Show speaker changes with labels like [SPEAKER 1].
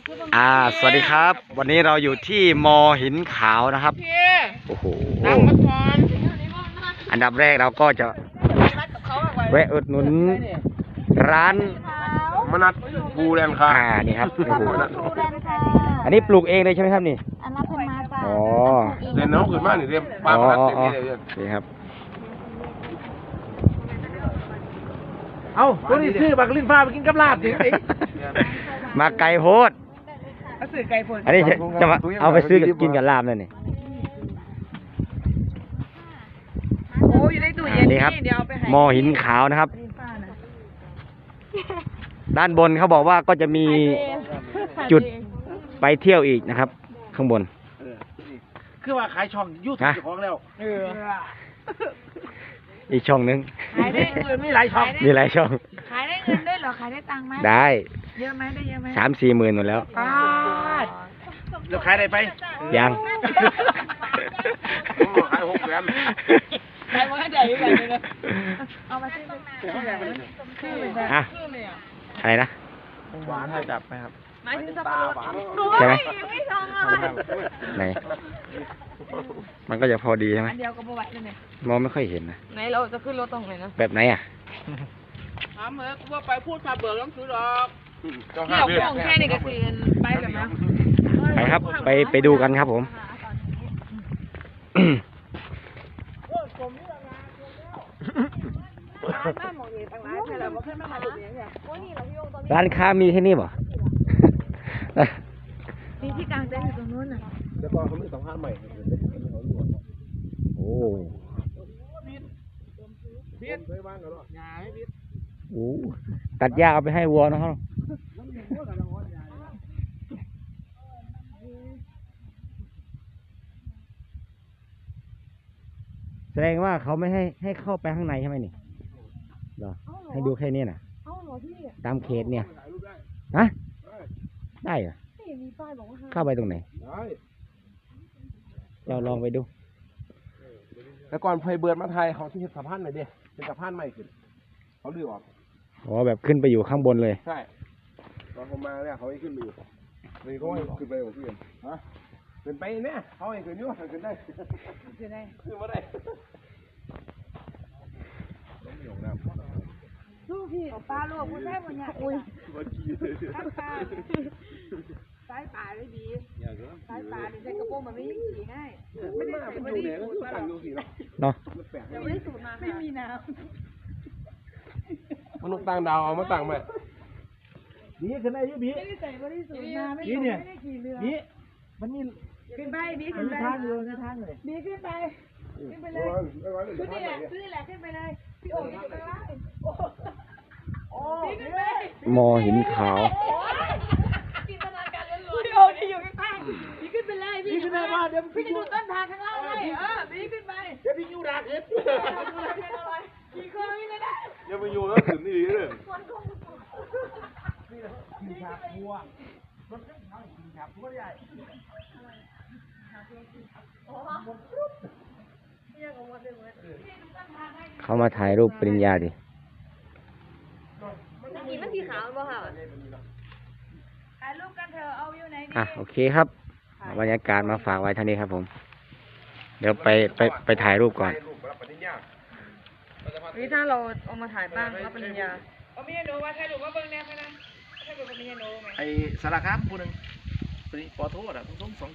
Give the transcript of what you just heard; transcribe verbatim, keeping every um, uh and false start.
[SPEAKER 1] อ่าสวัสดีครับวันนี้เราอยู่ที่มอหินขาวนะครับโอ้โหอันดับแรกเราก็จะแวะอุดหนุนร้าน
[SPEAKER 2] มนัดบูแลนค่ะ
[SPEAKER 1] อ่านี่ครับโอ้โห
[SPEAKER 3] ดูแลค่ะ
[SPEAKER 1] อันนี้ปลูกเองเลยใช่ไหมครับนี่
[SPEAKER 3] อันรับเป็นมาจ้ะ
[SPEAKER 1] อ๋อ
[SPEAKER 2] เรียนน้องขึ้นมาหนึ่งเรียนปลา
[SPEAKER 1] อ๋อ
[SPEAKER 2] มนัด
[SPEAKER 1] อ๋อ
[SPEAKER 2] เต็มที่เลยเรียน
[SPEAKER 1] นี่ครับ
[SPEAKER 4] เอาตัวนี้ซื้อบักลิ้นฟ้าไปกินกับลาบถึงสิ
[SPEAKER 1] มาไก่โพด
[SPEAKER 4] ก็ซื้อไก่ผล
[SPEAKER 1] อันนี้จะจะมาเอาไปซื้อกินกับลาบนั่นนี่
[SPEAKER 4] โอ้ยได้ตู้เย็น
[SPEAKER 1] นี่ครับ
[SPEAKER 4] เดี๋ยวเอาไปให้
[SPEAKER 1] มอหินขาวนะครับ
[SPEAKER 4] ลิ้นฟ้านะ
[SPEAKER 1] ด้านบนเขาบอกว่าก็จะมีจุดไปเที่ยวอีกนะครับ ข้างบน
[SPEAKER 4] คือว่าขายช่องยูทูบ
[SPEAKER 1] ฮะ
[SPEAKER 4] เจ้าของแล้วเออ
[SPEAKER 1] อีกช่องนึง
[SPEAKER 4] ขายได้เงินไม่หลายช่อง
[SPEAKER 1] มีหลายช่อง
[SPEAKER 3] ขายได้เงินด้วยเหรอ ขายได้ตังค์ไหม
[SPEAKER 1] ได้
[SPEAKER 3] เยอะไหมได้เยอะไหม
[SPEAKER 1] สามสี่หมื่นหมดแล้ว
[SPEAKER 4] ปาดแล้วขายได้ไป
[SPEAKER 1] ยัง
[SPEAKER 2] ผมบอกขายหกแสน
[SPEAKER 4] ขายมาให้ได้อยู่แบบนี้นะ
[SPEAKER 3] เอามาซื้อเลย
[SPEAKER 4] คือเลยนะ
[SPEAKER 1] อ่ะอะไรนะ
[SPEAKER 2] หวานให้จับไหมครับ
[SPEAKER 3] หมายถึงสับปะรด
[SPEAKER 1] ใช่ไหม
[SPEAKER 3] ไม่ชองอะไร
[SPEAKER 1] ไหน มันก็จะพอดีใช่ไหม
[SPEAKER 3] อันเดียวก็บไหวเลยเนี่ย
[SPEAKER 1] มองไม่ค่อยเห็นนะ
[SPEAKER 3] ไหนเราจะขึ้นรถตรงไหนนะ
[SPEAKER 1] แบบไหนอ่ะ
[SPEAKER 4] ถามเหอะว่าไปพูดคาเบิร์ต้องซื้อหรอก
[SPEAKER 2] เจ้า
[SPEAKER 3] เที่
[SPEAKER 2] ห้า
[SPEAKER 3] ยว
[SPEAKER 2] เดือน
[SPEAKER 3] ของแค่นี้ก็คือไปแบบนั้น
[SPEAKER 1] ไปครับ ไปไปดูกันครับผม ร้านค้ามีแค่นี้บ่
[SPEAKER 3] มีที่กลางเต็นท์อยู่ตรงนู้นน่ะ
[SPEAKER 2] แล้วก็เขาไม่สัมภาษณ์ใหม่
[SPEAKER 1] โอ้โหตัดหญ้าเอาไปให้วัวนะครับแสดงว่าเขาไม่ให้ให้เข้าไปข้างในใช่ไหมนี่เหรอให้ดูแค่นี้น่ะ
[SPEAKER 3] เอ้าเหรอพี่
[SPEAKER 1] ตามเขตเนี่ยฮะได้เหรอ
[SPEAKER 3] ไม่มีป้ายบอกว่าห้าม
[SPEAKER 1] เข้าไปตรงไหน
[SPEAKER 2] ได้
[SPEAKER 1] เราลองไปดู
[SPEAKER 2] แต่ก่อนไฟเบิร์ดมาไทยเขาที่สะพานหน่อยเดียเป็นสะพานใหม่ขึ้นเขาดื้อออก
[SPEAKER 1] อ๋อแบบขึ้นไปอยู่ข้างบนเลย
[SPEAKER 2] ใช่ตอนผมมาเนี่ยเขาให้ขึ้นไปอยู่เลยก็ให้ขึ้นไปของเพื่อนฮะขึ้นไปเนี่ยเขาให้ขึ้นอยู่ขึ้นได้
[SPEAKER 3] คือได้
[SPEAKER 2] ขึ้นมาได้
[SPEAKER 3] ลูกพี่ป้าลูกคุณแม่คนเนี่ยอุ้ยข้างข้างสายป่าเลยดีสายป่าเนี่ยใส่กระโปรงมันไม่ยิ่งขี่ง่ายไม่ได้ใส่ไม่ได้สูตรมาหรอก
[SPEAKER 1] เนาะ
[SPEAKER 3] ยังไม่ได้สูตรมาไม่มีน้
[SPEAKER 2] มนุษย์ต่างดาวเอามาตั้งไหม
[SPEAKER 4] บีขึ้นได้อยุบี
[SPEAKER 3] ำไม่ได้ใส่ไม่ได้สูตรมาไม่
[SPEAKER 4] บีเนี่ย
[SPEAKER 3] ได้ขี่เรือ
[SPEAKER 4] บีมันมี
[SPEAKER 3] ขึ้นไปบี
[SPEAKER 4] มั
[SPEAKER 3] ขึ้
[SPEAKER 4] น
[SPEAKER 3] น
[SPEAKER 4] มี
[SPEAKER 3] ไป
[SPEAKER 4] ทางอยู่ในทางเลย
[SPEAKER 3] บีขึ้นไปขึ้นไปเลยขึ้นนี่แหละขึ้นนี่แหละขึ้นไปเลยพี่โอ๋อยู่ข้างล่างโอ้บีขึ้นไป
[SPEAKER 1] มอหินขาว
[SPEAKER 3] จินตนาการล้วนๆพี่โอ๋ที่อยู่ข้างๆบีขึ้นไปเลย
[SPEAKER 4] บีขึ้นได้ว่าเดี๋ยว
[SPEAKER 3] พี่
[SPEAKER 4] พี่
[SPEAKER 3] จะดูต้นทางข้างล่างให้เออบีขึ้นไป
[SPEAKER 4] เดี๋ยวพี่ยูดาเห็ด
[SPEAKER 3] ขี่เครื่องนี่เลยนะ
[SPEAKER 2] ยังไปอยู่แล้วถึงนี่เลย
[SPEAKER 4] กินชาพัวมันก็ทำกินชาพัวใหญ่
[SPEAKER 1] เขามาถ่ายรูปปริญญาดิ
[SPEAKER 3] นี่มันสีขาวบ่ค่ะถ่ายรูปกันเถอะเอาอยู่ไหนดี
[SPEAKER 1] อ่ะโอเคครับบรรยากาศมาฝากไว้เท่านี้ครับผม เดี๋ยวไปไปไปถ่ายรูปก่อน
[SPEAKER 3] นี่ถ้าเราเอามาถ่ายบ้างรับปริญญา
[SPEAKER 4] ไอ้สารคามผู้หนึ่งปอโทษอ่ะต้องสอง